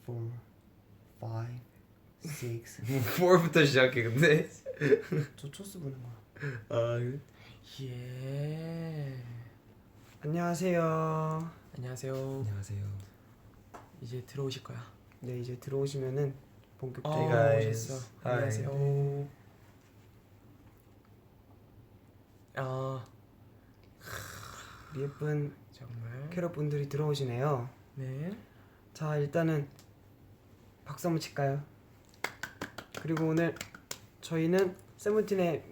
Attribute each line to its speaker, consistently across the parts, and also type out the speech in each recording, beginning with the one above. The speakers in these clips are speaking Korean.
Speaker 1: 4, 5, 6.
Speaker 2: 4부터 시작해 근데.
Speaker 1: 저 초스 부는 거야.
Speaker 2: 아 그래?
Speaker 3: 예.
Speaker 1: 안녕하세요.
Speaker 3: 안녕하세요.
Speaker 2: 안녕하세요.
Speaker 3: 이제 들어오실 거야.
Speaker 1: 네, 이제 들어오시면은 본격적으로
Speaker 2: Hey guys.
Speaker 3: 오셨어.
Speaker 2: Hi.
Speaker 3: 안녕하세요. 아
Speaker 1: 우리 예쁜
Speaker 3: 정말.
Speaker 1: 캐럿 분들이 들어오시네요.
Speaker 3: 네.
Speaker 1: 자, 일단은 박수 한번 칠까요? 그리고 오늘 저희는 세븐틴의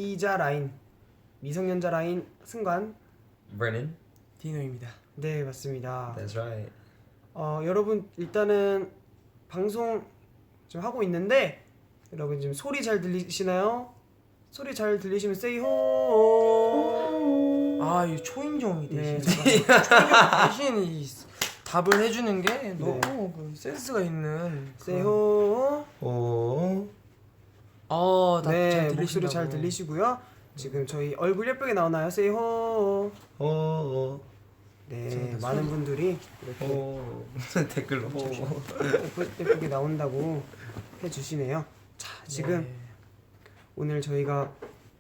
Speaker 1: 미성년자 라인 승관.
Speaker 2: Brennan.
Speaker 3: 디노입니다.
Speaker 1: 네, 맞습니다.
Speaker 2: That's right.
Speaker 1: 여러분 일단은 방송 좀 하고 있는데 여러분 지금 소리 잘 들리시나요? 소리 잘 들리시면 say 호.
Speaker 3: 아, 이 초인종이
Speaker 1: 네,
Speaker 3: 대신 초인종 대신 이 답을 해주는 게 너무
Speaker 1: 네.
Speaker 3: 그 센스가 있는.
Speaker 1: say 호.
Speaker 2: 오.
Speaker 1: 네,
Speaker 3: 잘
Speaker 1: 목소리
Speaker 3: 들리신다고.
Speaker 1: 잘 들리시고요. 지금 저희 얼굴 예쁘게 나오나요? say 호.
Speaker 2: 오.
Speaker 1: 네,
Speaker 3: 제가
Speaker 1: 많은
Speaker 3: 소리-
Speaker 1: 분들이 이렇게
Speaker 2: 오. 댓글로.
Speaker 1: 예쁘게 나온다고 해주시네요. 자, 지금
Speaker 3: 네.
Speaker 1: 오늘 저희가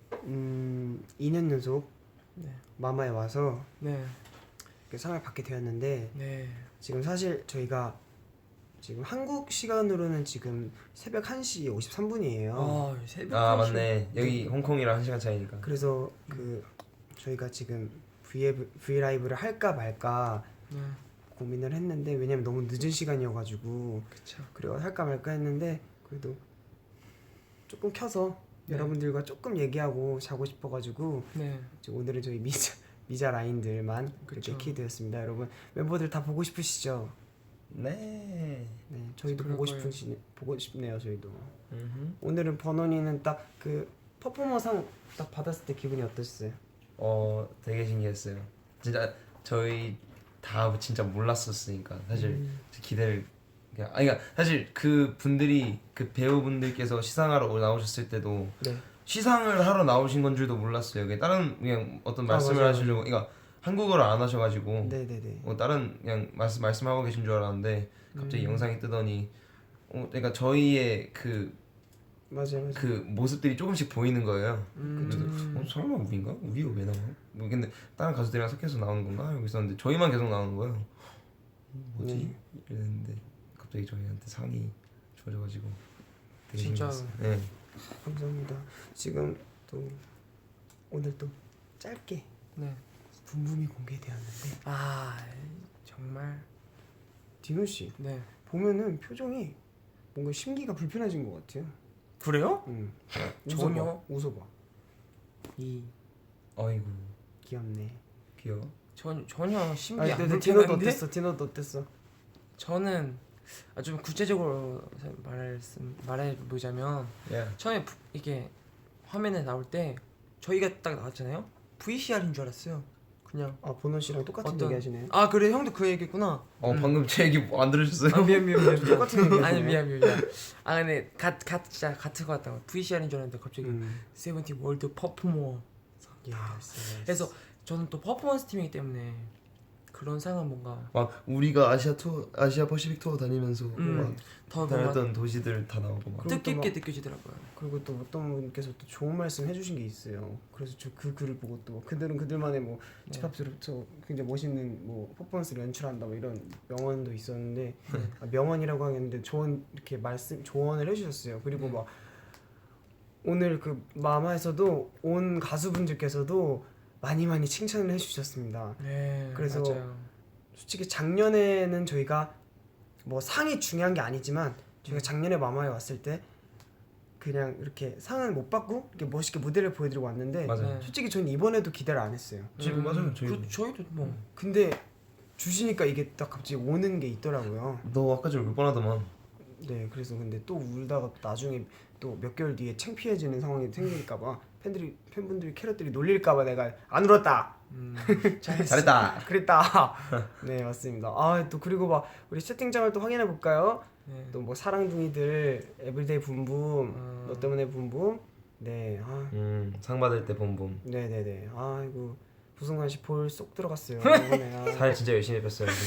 Speaker 1: 2년 연속
Speaker 3: 네.
Speaker 1: 마마에 와서
Speaker 3: 네.
Speaker 1: 이렇게 상을 받게 되었는데
Speaker 3: 네.
Speaker 1: 지금 사실 저희가 지금 한국 시간으로는 지금 새벽 1시 53분이에요.
Speaker 3: 아, 새벽
Speaker 2: 아
Speaker 3: 1시.
Speaker 2: 맞네. 여기 홍콩이랑 1시간 차이니까.
Speaker 1: 그래서 그 저희가 지금 브이라이브를 할까 말까
Speaker 3: 네.
Speaker 1: 고민을 했는데 왜냐면 너무 늦은 시간이어가지고
Speaker 3: 그쵸.
Speaker 1: 그리고 할까 말까 했는데 그래도 조금 켜서
Speaker 3: 네.
Speaker 1: 여러분들과 조금 얘기하고 자고 싶어가지고
Speaker 3: 네.
Speaker 1: 오늘은 저희 미자 라인들만 그렇게
Speaker 3: 그쵸.
Speaker 1: 키드였습니다. 여러분 멤버들 다 보고 싶으시죠?
Speaker 2: 네.
Speaker 1: 네, 저희도
Speaker 3: 그럴 거예요.
Speaker 1: 보고 싶네요. 저희도
Speaker 2: 음.
Speaker 1: 오늘은 버논이는 딱 그 퍼포머상 딱 받았을 때 기분이 어떠셨어요?
Speaker 2: 되게 신기했어요. 진짜 저희 다 진짜 몰랐었으니까 사실 기대를 그냥 그러니까 사실 그 분들이 그 배우분들께서 시상하러 나오셨을 때도
Speaker 1: 네,
Speaker 2: 시상을 하러 나오신 건 줄도 몰랐어요. 그냥 어떤 말씀을
Speaker 1: 맞아요.
Speaker 2: 하시려고 그러니까 한국어를 안 하셔가지고
Speaker 1: 네네네.
Speaker 2: 다른 그냥 말씀하고 계신 줄 알았는데 갑자기 영상이 뜨더니 그러니까 저희의
Speaker 1: 맞아요.
Speaker 2: 그 모습들이 조금씩 보이는 거예요. 그래서
Speaker 3: 음.
Speaker 2: 설마 우리인가? 우리가 왜 나와? 뭐 근데 다른 가수들이랑 섞여서 나오는 건가? 알고 있었는데 저희만 계속 나오는 거예요. 뭐지?
Speaker 1: 네.
Speaker 2: 이랬는데 갑자기 저희한테 상이 주어져가지고 되게
Speaker 3: 진짜.
Speaker 2: 신기했어요. 네.
Speaker 1: 감사합니다. 지금 또 오늘 또 짧게
Speaker 3: 네.
Speaker 1: 붐붐이 공개되었는데
Speaker 3: 아, 정말.
Speaker 1: 디노 씨
Speaker 3: 네.
Speaker 1: 보면은 표정이 뭔가 심기가 불편해진 것 같아요.
Speaker 3: 그래요?
Speaker 1: 응.
Speaker 3: 전혀.
Speaker 1: 웃어봐.
Speaker 2: 아이고
Speaker 1: 귀엽네.
Speaker 2: 귀여워.
Speaker 3: 전혀 신기
Speaker 1: 아니,
Speaker 3: 안
Speaker 1: 근데 디노도
Speaker 3: 불편한데.
Speaker 1: 어땠어? 디노도 어땠어?
Speaker 3: 저는 좀 구체적으로 말해보자면
Speaker 2: 야.
Speaker 3: 처음에 이게 화면에 나올 때 저희가 딱 나왔잖아요. VCR인 줄 알았어요. 그냥.
Speaker 1: 아, 보노 씨랑 똑같은
Speaker 3: 어떤-
Speaker 1: 얘기 하시네요.
Speaker 3: 아, 그래, 형도 그 얘기했구나.
Speaker 2: 방금 제 얘기 안 들으셨어요?
Speaker 3: 아, 미안.
Speaker 1: 똑같은 얘기
Speaker 3: 아니,
Speaker 1: 하시네요.
Speaker 3: 미안. 아, 근데 진짜 같은 거 같다. VCR인 줄 알았는데 갑자기 세븐틴 월드 퍼포머.
Speaker 1: 예스.
Speaker 3: 그래서 저는 또 퍼포먼스 팀이기 때문에 그런 상은 뭔가
Speaker 2: 막 우리가 아시아 퍼시픽 투어 다니면서 막
Speaker 3: 더 뭔가
Speaker 2: 다녔던 도시들 다 나오고 막.
Speaker 3: 뜻깊게 느껴지더라고요.
Speaker 1: 그리고 또 어떤 분께서 또 좋은 말씀 해주신 게 있어요. 그래서 저 그 글을 보고 또 그들은 그들만의 뭐
Speaker 3: 네.
Speaker 1: 집합으로서 굉장히 멋있는 뭐 퍼포먼스를 연출한다 뭐 이런 명언도 있었는데 명언이라고 하겠는데 조언을 해주셨어요. 그리고
Speaker 3: 네.
Speaker 1: 막 오늘 그 마마에서도 온 가수분들께서도 많이 칭찬을 해주셨습니다.
Speaker 3: 네,
Speaker 1: 그래서
Speaker 3: 맞아요.
Speaker 1: 솔직히 작년에는 저희가 뭐 상이 중요한 게 아니지만 저희가 작년에 마마에 왔을 때 그냥 이렇게 상은 못 받고 이렇게 멋있게 무대를 보여드리고 왔는데
Speaker 2: 맞아요.
Speaker 3: 네.
Speaker 1: 솔직히 저는 이번에도 기대를 안 했어요.
Speaker 2: 지금 맞아요. 저희도.
Speaker 3: 저희도 뭐
Speaker 1: 근데 주시니까 이게 딱 갑자기 오는 게 있더라고요.
Speaker 2: 너 아까 전에 울 뻔하더만.
Speaker 1: 네, 그래서 근데 또 울다가 나중에 또 몇 개월 뒤에 창피해지는 상황이 생길까봐 팬분들이 캐럿들이 놀릴까봐 내가 안 울었다.
Speaker 2: 잘했다.
Speaker 1: 그랬다. 네, 맞습니다. 아, 또 그리고 막 우리 채팅창을 또 확인해 볼까요?
Speaker 3: 네.
Speaker 1: 또 뭐 사랑둥이들 에브리데이 붐붐 너 때문에 붐붐 네,
Speaker 2: 상 받을 때 봄봄.
Speaker 1: 네네네. 아이고 부승관 씨 볼 쏙 들어갔어요. 이번에.
Speaker 2: 살 진짜 열심히 뺐어요.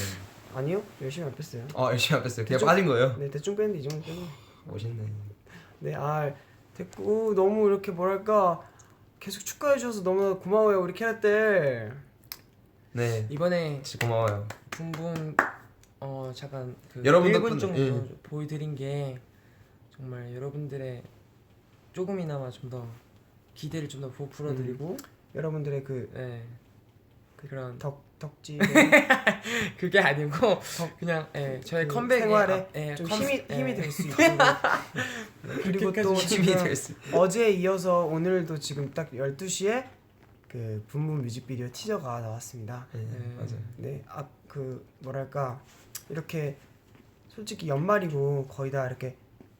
Speaker 1: 아니요, 열심히 안 뺐어요.
Speaker 2: 열심히 안 뺐어요. 그냥
Speaker 1: 대충-
Speaker 2: 빠진 거예요?
Speaker 1: 네, 대충 뺐는데 이 정도 뺐네.
Speaker 2: 멋있네.
Speaker 1: 네, 됐고 너무 이렇게 뭐랄까 계속 축하해 주셔서 너무 고마워요 우리 캐럿들.
Speaker 2: 네,
Speaker 3: 이번에
Speaker 2: 진짜 고마워요.
Speaker 3: 붕붕 잠깐 그
Speaker 2: 여러분
Speaker 3: 1분
Speaker 2: 덕분에,
Speaker 3: 정도
Speaker 2: 예.
Speaker 3: 보여드린 게 정말 여러분들의 조금이나마 좀 더 기대를 좀 더 부풀어드리고
Speaker 1: 여러분들의 그
Speaker 3: 네. 그런
Speaker 1: 덕지
Speaker 3: 그게 아니고 그냥 저의
Speaker 1: 그
Speaker 3: 컴백에
Speaker 1: 생활에 좀 힘이 될 수 있고 그리고 또
Speaker 2: 힘이
Speaker 1: 지금
Speaker 2: 될 수.
Speaker 1: 어제에 이어서 오늘도 지금 딱 12시에 그 붐붐 뮤직비디오 티저가 나왔습니다.
Speaker 2: 네, 맞아요.
Speaker 1: 네, 그 뭐랄까 이렇게 솔직히 연말이고 거의 다 이렇게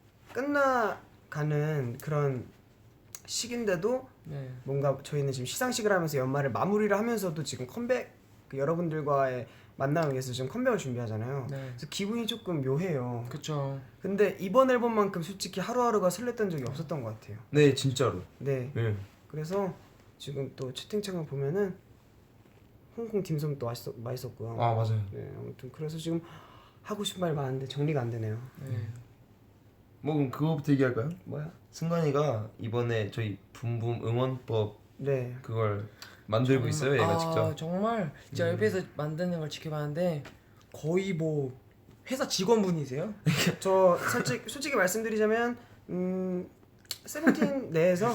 Speaker 1: 끝나가는 그런 시기인데도
Speaker 3: 네.
Speaker 1: 뭔가 저희는 지금 시상식을 하면서 연말을 마무리를 하면서도 지금 컴백 그 여러분들과의 만남을 위해서 지금 컴백을 준비하잖아요.
Speaker 3: 네.
Speaker 1: 그래서 기분이 조금 묘해요.
Speaker 3: 그쵸.
Speaker 1: 근데 이번 앨범만큼 솔직히 하루하루가 설렜던 적이 없었던 것 같아요.
Speaker 2: 네, 진짜로.
Speaker 1: 네.
Speaker 2: 네.
Speaker 1: 그래서 지금 또 채팅창을 보면은 홍콩 딤섬 또 맛있었고요.
Speaker 2: 맞아요.
Speaker 1: 네, 아무튼 그래서 지금 하고 싶은 말이 많은데 정리가 안 되네요.
Speaker 3: 네.
Speaker 2: 뭐 그럼 그거부터 얘기할까요?
Speaker 1: 뭐야?
Speaker 2: 승관이가 이번에 저희 붐붐 응원법
Speaker 1: 네.
Speaker 2: 그걸 만들고 있어요, 얘가 직접.
Speaker 3: 정말 제가 옆에서 만드는 걸 지켜봤는데 거의 뭐 회사 직원분이세요?
Speaker 1: 저 솔직히 말씀드리자면 세븐틴 내에서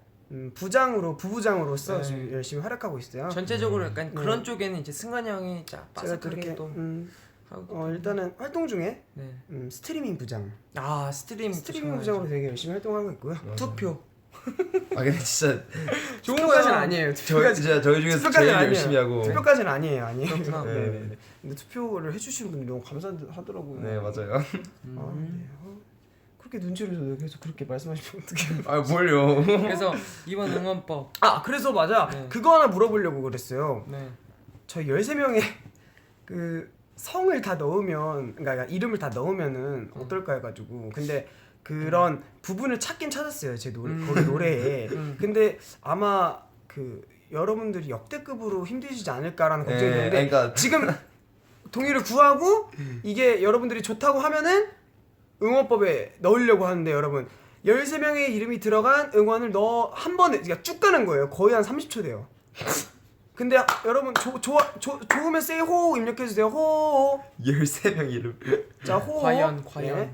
Speaker 1: 부부장으로서
Speaker 3: 네.
Speaker 1: 지금 열심히 활약하고 있어요.
Speaker 3: 전체적으로 약간
Speaker 1: 네.
Speaker 3: 그런 쪽에는 이제 승관이 형이 짜
Speaker 1: 제가 또 이렇게
Speaker 3: 빠삭하게 또 하고
Speaker 1: 일단은 활동 중에
Speaker 3: 네.
Speaker 1: 스트리밍 부장,
Speaker 3: 스트리밍
Speaker 1: 스트리밍 부장으로 되게 열심히 활동하고 있고요.
Speaker 3: 투표
Speaker 2: 근데 진짜
Speaker 1: 투표까지는 아니에요.
Speaker 2: 저희 중에서
Speaker 1: 투표까지는
Speaker 2: 제일
Speaker 1: 아니에요.
Speaker 2: 열심히 하고.
Speaker 1: 투표까지는 아니에요.
Speaker 3: 그렇구나.
Speaker 1: 네. 근데 투표를 해주시는 분들 너무 감사하더라고요.
Speaker 2: 네, 맞아요.
Speaker 1: 네. 그렇게 눈치를 줘도 계속 그렇게 말씀하시면 어떡해요.
Speaker 2: 뭘요?
Speaker 3: 그래서 이번 응원법
Speaker 1: 그래서 맞아.
Speaker 3: 네.
Speaker 1: 그거 하나 물어보려고 그랬어요.
Speaker 3: 네.
Speaker 1: 저희 13명의 그 성을 다 넣으면 그러니까 이름을 다 넣으면은 어떨까 해가지고 근데 그런 부분을 찾긴 찾았어요. 제 노래 거기 노래에. 근데 아마 그 여러분들이 역대급으로 힘드시지 않을까라는 걱정이
Speaker 2: 네,
Speaker 1: 드는데
Speaker 2: 그러니까
Speaker 1: 지금 동의를 구하고 이게 여러분들이 좋다고 하면은 응원법에 넣으려고 하는데 여러분 13명의 이름이 들어간 응원을 한 번에 그러니까 쭉 가는 거예요. 거의 한 30초 돼요. 근데 여러분 좋으면 세이 호호 입력해 주세요. 호호.
Speaker 2: 13명 이름.
Speaker 1: 자, 호호.
Speaker 3: 과연
Speaker 1: 네.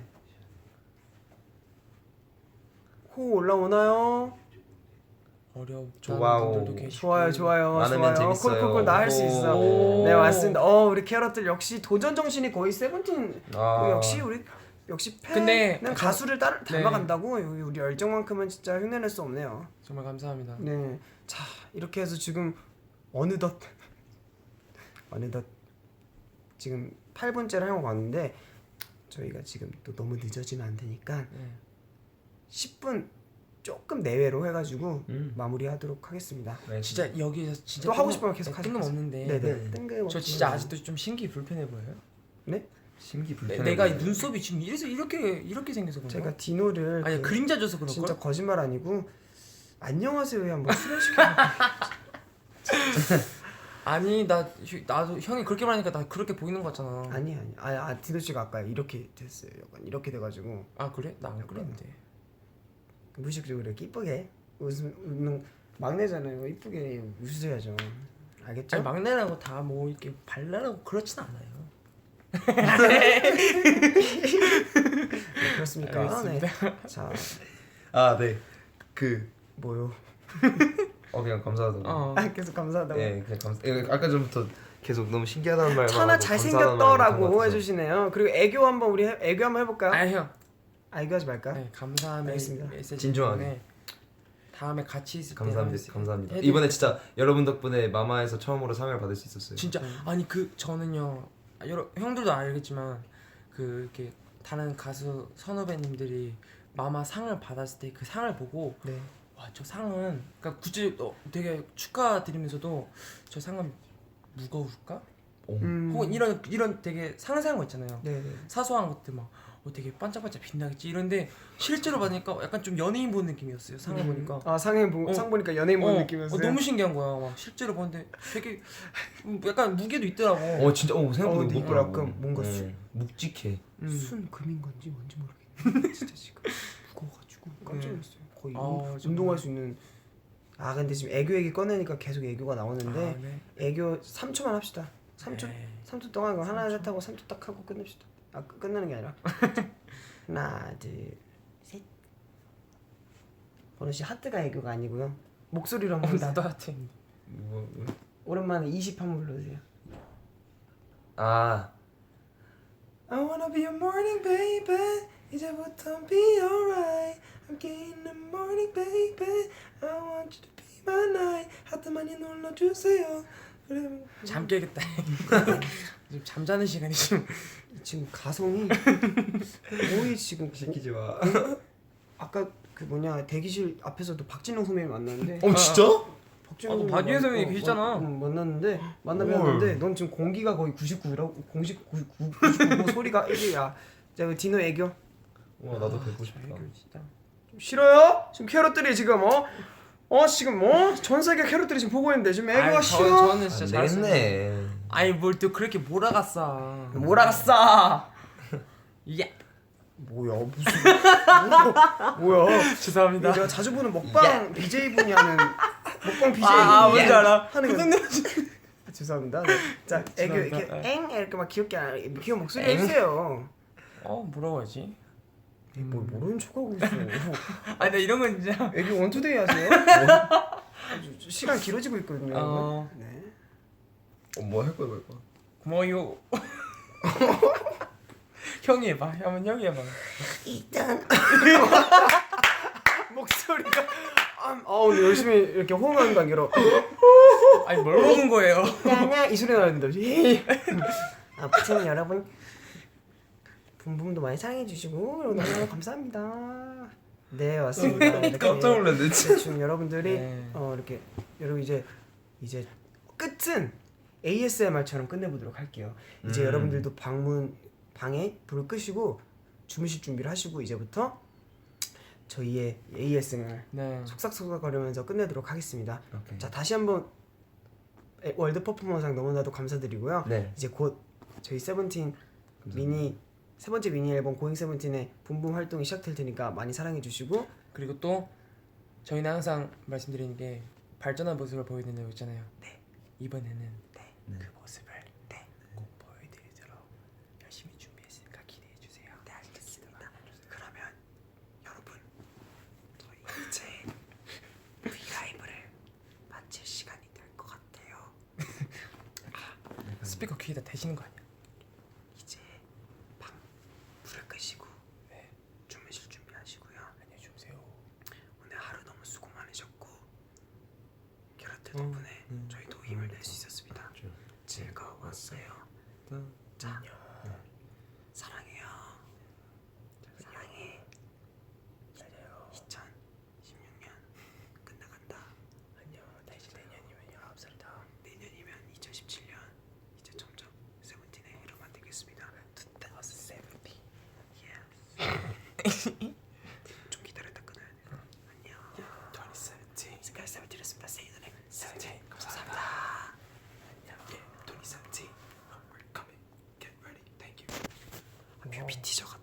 Speaker 1: 호호 올라오나요?
Speaker 3: 어려운
Speaker 2: 좋아요.
Speaker 3: 분들도 계시고
Speaker 1: 좋아요.
Speaker 2: 많으면 재밌어요.
Speaker 1: 콜 나 할 수 있어.
Speaker 3: 오.
Speaker 1: 네, 맞습니다. 우리 캐럿들 역시 도전 정신이 거의 세븐틴. 역시
Speaker 3: 근데
Speaker 1: 팬은
Speaker 3: 약간-
Speaker 1: 가수를
Speaker 3: 네.
Speaker 1: 닮아간다고 우리 열정만큼은 진짜 흉내낼 수 없네요.
Speaker 3: 정말 감사합니다.
Speaker 1: 네, 자 이렇게 해서 지금 어느덧 지금 8분째를 하고 왔는데 저희가 지금 또 너무 늦어지면 안 되니까
Speaker 3: 네.
Speaker 1: 10분 조금 내외로 해가지고 마무리하도록 하겠습니다.
Speaker 2: 네,
Speaker 3: 진짜 여기서 진짜
Speaker 1: 또 하고 싶으면 계속
Speaker 3: 뜬금없는데
Speaker 1: 네네. 뜬금.
Speaker 3: 저 진짜 아직도 좀 신기 불편해 보여요.
Speaker 1: 네?
Speaker 2: 심기 불편해.
Speaker 3: 내가
Speaker 2: 보여요.
Speaker 3: 눈썹이 지금 이렇게 생겨서 그런가?
Speaker 1: 제가 디노를
Speaker 3: 아니 그림자 줘서 그런
Speaker 1: 진짜
Speaker 3: 걸?
Speaker 1: 거짓말 아니고 안녕하세요에 한번 출연시켜.
Speaker 3: 아니 나도 형이 그렇게 말하니까 나 그렇게 보이는 거 같잖아.
Speaker 1: 아니 디노 씨가 아까 이렇게 됐어요. 약간 이렇게 돼가지고
Speaker 3: 그래? 나 안 그랬는데.
Speaker 1: 무의식적으로 이렇게 이쁘게 웃는 막내잖아요. 이쁘게 웃으셔야죠. 알겠죠?
Speaker 3: 아니 막내라고 다 뭐 이렇게 발랄하고 그렇진 않아요.
Speaker 1: 네, 그렇습니까?
Speaker 3: 알겠습니다.
Speaker 1: 네. 자
Speaker 2: 네.
Speaker 1: 뭐요?
Speaker 2: 그냥 감사하다고.
Speaker 1: 계속 감사하다고.
Speaker 2: 네, 그냥 아까 전부터 계속 너무 신기하다는 말만
Speaker 1: 천하
Speaker 2: 하고
Speaker 1: 잘생겼더라고
Speaker 2: 감사하다는
Speaker 1: 해주시네요. 그리고 애교 한번 애교 한번 해볼까요?
Speaker 3: 형.
Speaker 1: 애교하지 말까?
Speaker 3: 네, 감사함의
Speaker 1: 알겠습니다.
Speaker 3: 메시지
Speaker 2: 진중하게.
Speaker 3: 때문에 다음에 같이 있을 때
Speaker 2: 감사합니다.
Speaker 3: 해드릴-
Speaker 2: 이번에 진짜 여러분 덕분에 마마에서 처음으로 상을 받을 수 있었어요.
Speaker 3: 진짜 아니 저는요 형들도 알겠지만 이렇게 다른 가수 선후배님들이 마마 상을 받았을 때 그 상을 보고
Speaker 1: 네.
Speaker 3: 와 저 상은 그러니까 굳이 되게 축하드리면서도 저 상은 무거울까? 혹은 이런 되게 상상한 거 있잖아요.
Speaker 1: 네.
Speaker 3: 사소한 것들 막 되게 반짝반짝 빛나겠지 이런데 실제로 받으니까 약간 좀 연예인 본 느낌이었어요. 상을 보니까.
Speaker 1: 아 상 보니까 연예인 본 느낌이었어요.
Speaker 3: 너무 신기한 거야. 막 실제로 보는데 되게 약간 무게도 있더라고.
Speaker 2: 진짜 생각보다
Speaker 1: 근데 이거
Speaker 2: 무겁더라고.
Speaker 1: 약간 뭔가
Speaker 2: 묵직해.
Speaker 1: 순금인 건지 뭔지 모르겠는데 진짜 지금 무거워가지고 깜짝 놀랐어요. 거의 운동할 수 있는. 근데 지금 애교 얘기 꺼내니까 계속 애교가 나오는데
Speaker 3: 네.
Speaker 1: 애교 3초만 합시다. 3초
Speaker 3: 네.
Speaker 1: 3초 동안 이거 하나 셋 하고 3초 딱 하고 끝냅시다. 끝나는 게 아니라 하나 둘 셋. 버논 씨 하트가 애교가 아니고요. 목소리로 한번 해주세요.
Speaker 3: 나도 하트.
Speaker 1: 오랜만에 20 한번 불러주세요.
Speaker 2: 아
Speaker 1: I wanna be your morning baby. 이제부터 be alright. I'm getting the morning baby. I want you to be my night. 하트 많이 눌러주세요. 그래.
Speaker 3: 잠 깨겠다. 지금 잠자는 시간이
Speaker 1: 지금 가성이 거의 지금
Speaker 2: 시키지 마.
Speaker 1: 아까 그 뭐냐 대기실 앞에서도 박진영 선배님 만났는데
Speaker 2: 진짜?
Speaker 1: 박진영
Speaker 3: 너 박진영 선배님 계시잖아.
Speaker 1: 만나뵀는데 넌 지금 공기가 거의 99라고 99 소리가 1이야. 자 디노 애교.
Speaker 2: 와 나도 뵙고 싶다.
Speaker 3: 진짜.
Speaker 1: 싫어요? 지금 캐럿들이 지금 지금 전 세계 캐럿들이 지금 보고 있는데 지금 애교가 싫어?
Speaker 3: 저는 진짜 잘했네.
Speaker 2: 되겠네.
Speaker 3: 아니 뭘 또 그렇게 몰아갔어.
Speaker 1: 몰아갔어.
Speaker 3: 예.
Speaker 1: 뭐야 무슨 뭐야?
Speaker 3: 죄송합니다.
Speaker 1: 내가 자주 보는 먹방 BJ 분이 하는 먹방 BJ
Speaker 3: 뭔지 알아.
Speaker 1: 하는 거. 죄송합니다. 네. 자 애교
Speaker 3: 죄송합니다.
Speaker 1: 이렇게 이렇게 막 귀엽게 귀여운 목소리 해주세요.
Speaker 3: 뭐라고 하지?
Speaker 1: 뭘 모르는 척하고 있어.
Speaker 3: 아니 나 이런 건 진짜.
Speaker 1: 애교 원투데이 하세요? 시간 길어지고 있거든요. 네.
Speaker 2: 뭐 할 거야 뭐 할 거야?
Speaker 3: 고마워요. 형이 해봐. 한번 형이 해봐.
Speaker 1: 일단 목소리가 오늘 열심히 이렇게 호응하는 관계로
Speaker 3: 아니 뭘 먹은 거예요?
Speaker 1: 야냐 이 소리 나는데 아무튼 여러분 붐붐도 많이 사랑해 주시고 너무 감사합니다. 네 왔습니다. 이렇게
Speaker 2: 깜짝 놀랐네 진짜.
Speaker 1: 대충 여러분들이
Speaker 3: 네.
Speaker 1: 이렇게 여러분 이제 끝은 ASMR처럼 끝내보도록 할게요. 이제 여러분들도 방에 불을 끄시고 주무실 준비를 하시고 이제부터 저희의 ASMR
Speaker 3: 네.
Speaker 1: 속삭속삭거리면서 끝내도록 하겠습니다.
Speaker 2: 오케이.
Speaker 1: 자 다시 한번 월드 퍼포먼상 너무나도 감사드리고요.
Speaker 2: 네.
Speaker 1: 이제 곧 저희 세븐틴 미니 세 번째 미니 앨범 고잉 세븐틴의 붐붐 활동이 시작될 테니까 많이 사랑해 주시고
Speaker 3: 그리고 또 저희는 항상 말씀드리는 게 발전한 모습을 보여드린다고 했잖아요. 네. 이번에는 그 모습을 꼭 보여드리도록 열심히 준비했으니까 기대해 주세요.
Speaker 1: 네 알겠습니다. 그러면 여러분 저희 이제 브이라이브를 마칠 시간이 될 것 같아요.
Speaker 3: 스피커 귀에다 대시는 거 아니야?
Speaker 1: 이제 방 불을 끄시고 주무실 준비하시고요.
Speaker 3: 안녕히 주무세요.
Speaker 1: 오늘 하루 너무 수고 많으셨고 캐럿들 덕분에 저희도 힘을 낼 수 있었습니다. 즐거웠어요. 자, 사랑해요. 사랑해. 2016년 끝나간다.
Speaker 3: 안녕. 다시 내년이면 19살이다.
Speaker 1: 내년이면 2017년. 이제 점점 세븐틴의 해로만 되겠습니다. 2017. Yes. 좀 기다렸다 끊어야 돼. 안녕. 2017. 지금까지 세븐틴이었습니다. See you in the next 17. 감사합니다. 안녕. 2017. We're coming. Get ready. Thank you. 뮤비 티저가